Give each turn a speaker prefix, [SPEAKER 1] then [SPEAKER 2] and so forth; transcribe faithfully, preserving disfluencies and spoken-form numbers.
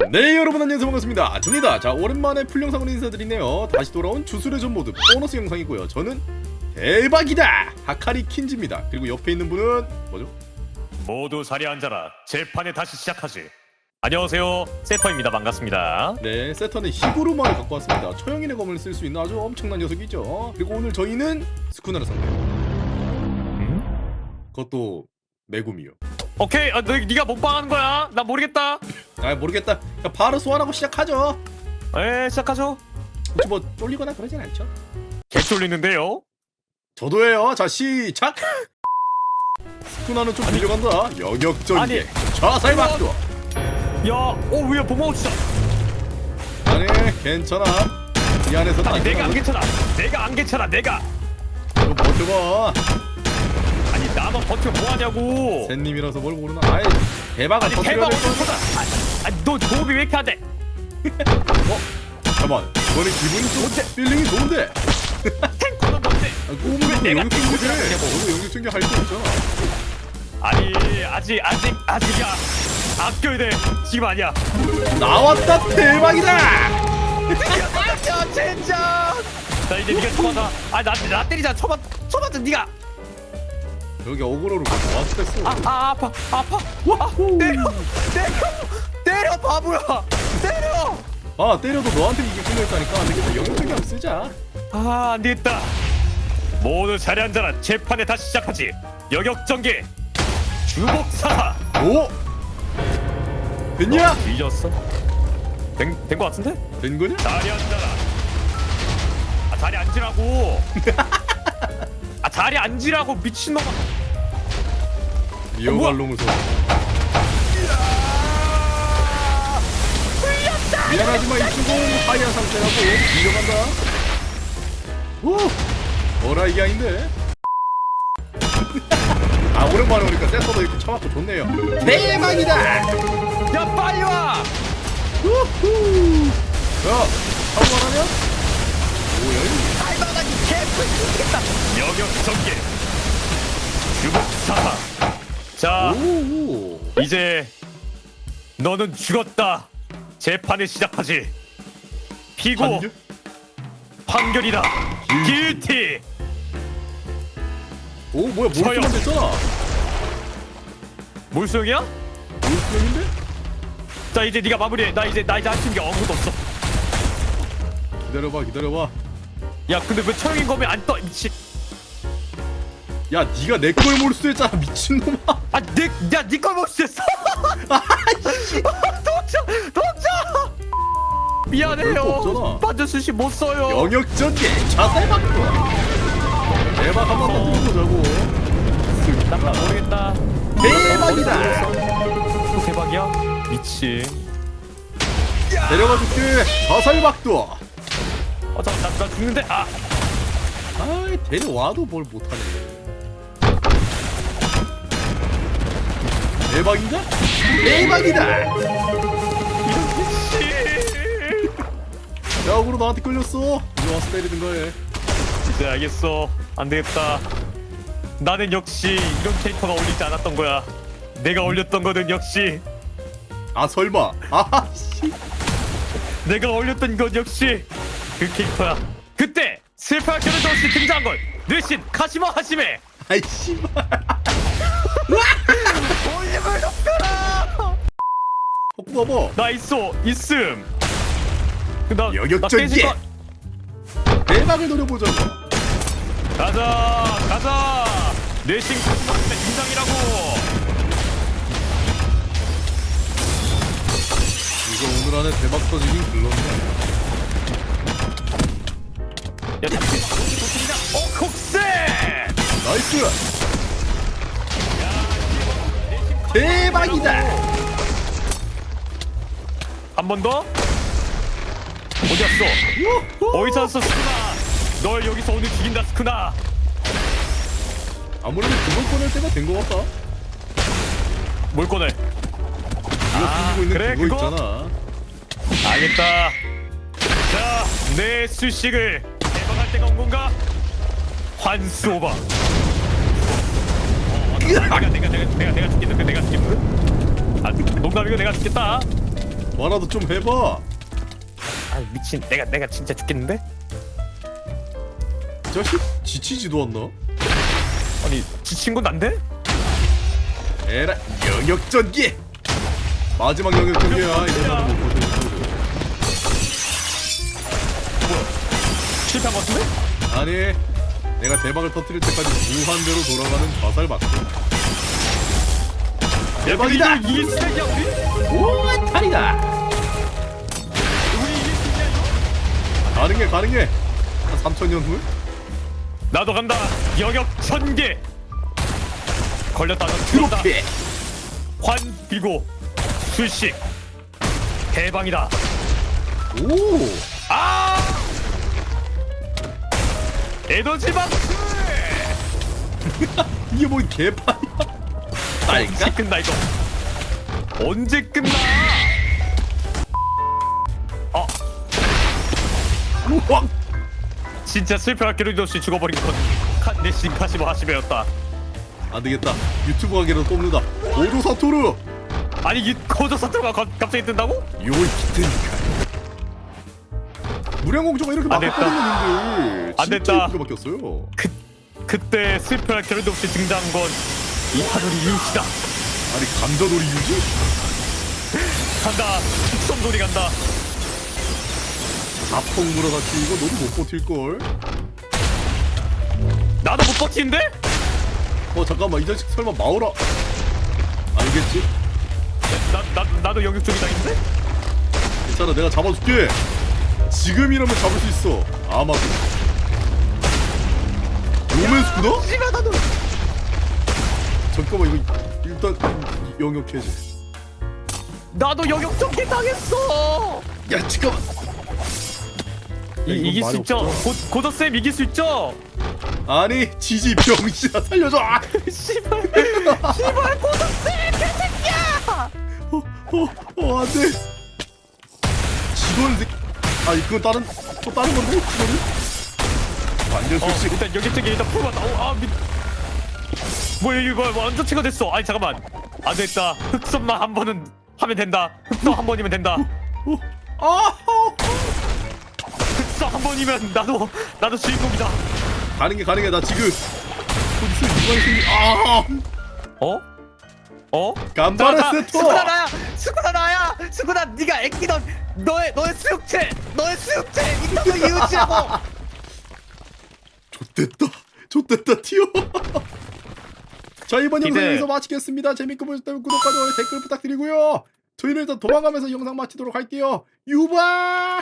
[SPEAKER 1] 네, 여러분 안녕하세요, 반갑습니다. 접니다. 자, 오랜만에 풀영상으로 인사드리네요. 다시 돌아온 주술의 전 모드 보너스 영상이고요. 저는 대박이다 하카리 킨즈입니다. 그리고 옆에 있는 분은 뭐죠?
[SPEAKER 2] 모두 자리에 앉아라. 재판에 다시 시작하지. 안녕하세요, 세터입니다. 반갑습니다.
[SPEAKER 1] 네, 세터는 히구르마를 갖고 왔습니다. 초영인의 검을 쓸 수 있는 아주 엄청난 녀석이죠. 그리고 오늘 저희는 스쿠나를 상대요.
[SPEAKER 2] 음?
[SPEAKER 1] 그것도 메구미요.
[SPEAKER 2] 오케이, 아, 너, 네가 못방하는 거야. 나 모르겠다.
[SPEAKER 1] 아, 모르겠다. 그냥 바로 소환하고 시작하죠.
[SPEAKER 2] 에, 시작하죠.
[SPEAKER 1] 혹시 뭐 쫄리거나 그러진 않죠?
[SPEAKER 2] 개 쫄리는데요.
[SPEAKER 1] 저도예요. 자, 시작. 스쿠나는 좀 밀려간다. 영역전개
[SPEAKER 2] 아니.
[SPEAKER 1] 좌살박도.
[SPEAKER 2] 야, 어, 왜야, 보모 진짜.
[SPEAKER 1] 아니, 괜찮아. 이 안에서
[SPEAKER 2] 아니, 내가 안 괜찮아. 내가 안 괜찮아. 내가.
[SPEAKER 1] 좀 버텨봐.
[SPEAKER 2] 아니, 나만 버티면 뭐 하냐고.
[SPEAKER 1] 샌님이라서 뭘 모르나. 아이, 대박을
[SPEAKER 2] 아니,
[SPEAKER 1] 터뜨려야
[SPEAKER 2] 대박
[SPEAKER 1] 될
[SPEAKER 2] 어디
[SPEAKER 1] 거야.
[SPEAKER 2] 터다. 아니, 너 도움이 왜 이렇게 안 돼?
[SPEAKER 1] 어? 잠깐만, 너네 기분이 좀
[SPEAKER 2] 뭔데?
[SPEAKER 1] 필링이 좋은데.
[SPEAKER 2] 탱커는 뭔데?
[SPEAKER 1] 아, 꼬우면
[SPEAKER 2] 내가
[SPEAKER 1] 영역 챙겨줘.
[SPEAKER 2] 탱커를 하냐고.
[SPEAKER 1] 너도 영역 챙겨 할 거 없잖아.
[SPEAKER 2] 아니, 아직, 아직, 아직이야. 아껴야 돼. 지금 아니야.
[SPEAKER 1] 나왔다, 대박이다.
[SPEAKER 2] 야, 진짜. 나 이제 네가 쳐맞아. 아, 나, 나 때리자. 쳐맞, 쳐맞아, 네가.
[SPEAKER 1] 여기 어그로를 나왔어 뺐어.
[SPEAKER 2] 아, 아, 아파, 아파. 와, 때려, 때려, 때려, 바보야. 때려.
[SPEAKER 1] 아, 때려도 너한테 이게 끌려있다니까. 안 되겠다. 영역 챙겨 한번 쓰자.
[SPEAKER 2] 아, 안 되겠다. 모두 자리 앉아라. 재판에 다시 시작하지. 여격전개. 주복사.
[SPEAKER 1] 오, 됐냐?
[SPEAKER 2] 뒤졌어? 된, 된거 같은데?
[SPEAKER 1] 된 거냐?
[SPEAKER 2] 자리 앉아라. 아, 자리 앉으라고. 아, 자리 앉으라고 미친놈아.
[SPEAKER 1] 미어발롱을 써. 미안하지만 이쪽은 하이한 상태라고 밀려간다. 오, 뭐라 이게 아닌데. 아, 오랜만에 오니까 센터도 이렇게 쳐맞고 좋네요. 대박이다.
[SPEAKER 2] 야, 빨리 와.
[SPEAKER 1] 우후. 야, 한번하냐? 뭐야 이게?
[SPEAKER 2] 할만하기 개뿔 죽겠다. 여격전개. 주복사. 자,
[SPEAKER 1] 오,
[SPEAKER 2] 이제 너는 죽었다. 재판을 시작하지. 피고
[SPEAKER 1] 판결?
[SPEAKER 2] 판결이다. 길티.
[SPEAKER 1] 오, 뭐야, 몰수만
[SPEAKER 2] 저요.
[SPEAKER 1] 됐잖아.
[SPEAKER 2] 몰수형이야?
[SPEAKER 1] 몰수인데?
[SPEAKER 2] 자, 이제 네가 마무리해. 나 이제 나 이제 할 수 있는 게 아무것도 없어.
[SPEAKER 1] 기다려봐, 기다려봐.
[SPEAKER 2] 야, 근데 왜 처형인 거면 안 떠? 미친.
[SPEAKER 1] 야, 네가 내 걸 몰수했잖아, 미친놈아.
[SPEAKER 2] 아, 내, 야, 니걸 몰수했어. 도착, 도착.
[SPEAKER 1] 별거
[SPEAKER 2] 미안해요.
[SPEAKER 1] 없잖아.
[SPEAKER 2] 반전수시 못 써요.
[SPEAKER 1] 영역전개 자살박도. 대박 한 번만 뚫어보자고.
[SPEAKER 2] 난 모르겠다.
[SPEAKER 1] 대박이다.
[SPEAKER 2] 또 대박이야? 미친.
[SPEAKER 1] 데려가줄게. 자살박도.
[SPEAKER 2] 어, 잠깐, 나, 나 죽는데. 아,
[SPEAKER 1] 아이, 데려와도 뭘 못하네. 대박인가? 대박이다.
[SPEAKER 2] 이런 미친.
[SPEAKER 1] 야, 억으로 나한테 끌렸어. 이리 와서 때리는 거해.
[SPEAKER 2] 이제 알겠어. 안 되겠다. 나는 역시 이런 캐릭터가 어울리지 않았던 거야. 내가 어울렸던 거는 역시
[SPEAKER 1] 아, 설마. 아, 씨.
[SPEAKER 2] 내가 어울렸던 건 역시 그 캐릭터야. 그때 슬퍼할 겨를도 없이 등장한 걸 르신 카시마 하시메.
[SPEAKER 1] 아이, 씨발.
[SPEAKER 2] 볼륨을 높여라.
[SPEAKER 1] 헛구 봐봐.
[SPEAKER 2] 나 있어, 있음. 나, 나
[SPEAKER 1] 여격전개.
[SPEAKER 2] 깨질 거-
[SPEAKER 1] 대박을 노려보자고.
[SPEAKER 2] 가자, 가자. 르신 카시마 하시메 등장이라고.
[SPEAKER 1] 이거 오늘 안에 대박 터지긴 글렀네.
[SPEAKER 2] 야, 잠시 도착이다. 어, 곡세.
[SPEAKER 1] 나이스. 대박이다.
[SPEAKER 2] 한 번 더. 어디 갔어? 어디 갔어, 스쿠나? 널 여기서 오늘 죽인다, 스쿠나.
[SPEAKER 1] 아무래도 그걸 꺼낼 때가 된 것 같다.
[SPEAKER 2] 뭘 꺼내?
[SPEAKER 1] 네가
[SPEAKER 2] 아,
[SPEAKER 1] 숨기고 있는
[SPEAKER 2] 그래,
[SPEAKER 1] 그거
[SPEAKER 2] 그거?
[SPEAKER 1] 있잖아.
[SPEAKER 2] 알겠다. 자, 내 수식을 대박할 때가 온 건가? 환수 오바. 어, 내가 내가 내가 내가 내가 죽겠다. 내가 죽겠다. 아, 농담이고 내가 죽겠다.
[SPEAKER 1] 뭐라도 좀 해봐.
[SPEAKER 2] 아 미친 내가 내가 진짜 죽겠는데?
[SPEAKER 1] 이 자식 지치지도 않나?
[SPEAKER 2] 아니 지친 건 난데?
[SPEAKER 1] 에라 영역전기. 마지막 영역전기야. 이제 나도 못 버텨.
[SPEAKER 2] 실패한 것 같은데?
[SPEAKER 1] 아니 내가 대박을 터뜨릴 때까지 무한대로 돌아가는 자살 박수. 대박이다.
[SPEAKER 2] 이게 이길 수있야 우리?
[SPEAKER 1] 오 탈이다.
[SPEAKER 2] 우리 이길 수 있냐 이거?
[SPEAKER 1] 가능해 가능해. 한 삼천 년 후?
[SPEAKER 2] 나도 간다. 영역 전개. 걸렸다. 넌 죽었다.
[SPEAKER 1] 트로피.
[SPEAKER 2] 환 비고 술식 대방이다.
[SPEAKER 1] 오.
[SPEAKER 2] 아! 에너지 박스!
[SPEAKER 1] 이게 뭔 개판이야?
[SPEAKER 2] 언제
[SPEAKER 1] 딸까?
[SPEAKER 2] 끝나 이거? 언제 끝나? 어,
[SPEAKER 1] 우왕.
[SPEAKER 2] 진짜 슬퍼할 겨를도 없이 죽어버린 건 칸네신 카시모 하시메였다.
[SPEAKER 1] 안 되겠다. 유튜브 가게로 뽑는다. 오조 사토루.
[SPEAKER 2] 아니 이 코조 사토가 갑자기 뜬다고?
[SPEAKER 1] 요이 기트니까. 무량공주가 이렇게
[SPEAKER 2] 안
[SPEAKER 1] 막
[SPEAKER 2] 됐다.
[SPEAKER 1] 바뀌었는데
[SPEAKER 2] 안 됐다.
[SPEAKER 1] 이렇게 바뀌었어요.
[SPEAKER 2] 그 그때 슬퍼할 겨를도 없이 등장한 건 이하노리 유시다.
[SPEAKER 1] 아니 감자놀이 유지?
[SPEAKER 2] 간다. 숙성놀이 간다.
[SPEAKER 1] 자폭 물어다치 이거 너도 못 버틸 걸.
[SPEAKER 2] 나도 못 버티는데?
[SPEAKER 1] 어 잠깐만 이 자식 설마 마오라 알겠지?
[SPEAKER 2] 나, 나, 나도 영역 쪽이 당인데?
[SPEAKER 1] 괜찮아 내가 잡아줄게. 지금이라면 잡을 수 있어. 아마도. 로맨스구나?
[SPEAKER 2] 씨발 나도.
[SPEAKER 1] 잠깐만 이거 일단 영역 해제.
[SPEAKER 2] 나도 영역 쪽이 당했어.
[SPEAKER 1] 야 잠깐만.
[SPEAKER 2] 이,
[SPEAKER 1] 이건
[SPEAKER 2] 이길 수
[SPEAKER 1] 말이
[SPEAKER 2] 있죠?
[SPEAKER 1] 없어.
[SPEAKER 2] 고, 고더쌤 이길 수 있죠?
[SPEAKER 1] 아니 지지 병신아 살려줘. 아!
[SPEAKER 2] 씨발 씨발 고더쌤 개새끼야.
[SPEAKER 1] 어, 어, 어, 안 돼. 직원 새 아니, 그건 다른, 또 다른 건데? 직원은? 완전
[SPEAKER 2] 어
[SPEAKER 1] 솔직.
[SPEAKER 2] 일단 여기 쪽에 일단 풀어봤다. 어, 아 미... 뭐야 이거 뭐 완전 체가 됐어. 아니 잠깐만 안 됐다. 흑선만 한 번은 하면 된다. 흑선 한 번이면 된다.
[SPEAKER 1] 어, 아, 어.
[SPEAKER 2] 흑선 한 번이면 나도 나도 주인공이다.
[SPEAKER 1] 가는 게 가능해. 나 지금 어디서 이관이 생기. 아,
[SPEAKER 2] 어? 어?
[SPEAKER 1] 간바레
[SPEAKER 2] 나, 나,
[SPEAKER 1] 세토.
[SPEAKER 2] 스쿠나 나야! 스쿠나 나야! 스쿠나 네가 애끼던 너의 너의 수육체! 너의 수육체! 이따가 이웃이라고!
[SPEAKER 1] 좆됐다. 좆됐다. 튀어. 자, 이번
[SPEAKER 2] 기대.
[SPEAKER 1] 영상 여기서 마치겠습니다. 재밌게 보셨다면 구독과 좋아요, 댓글 부탁드리고요. 저희는 일단 도망가면서 영상 마치도록 할게요. 유바.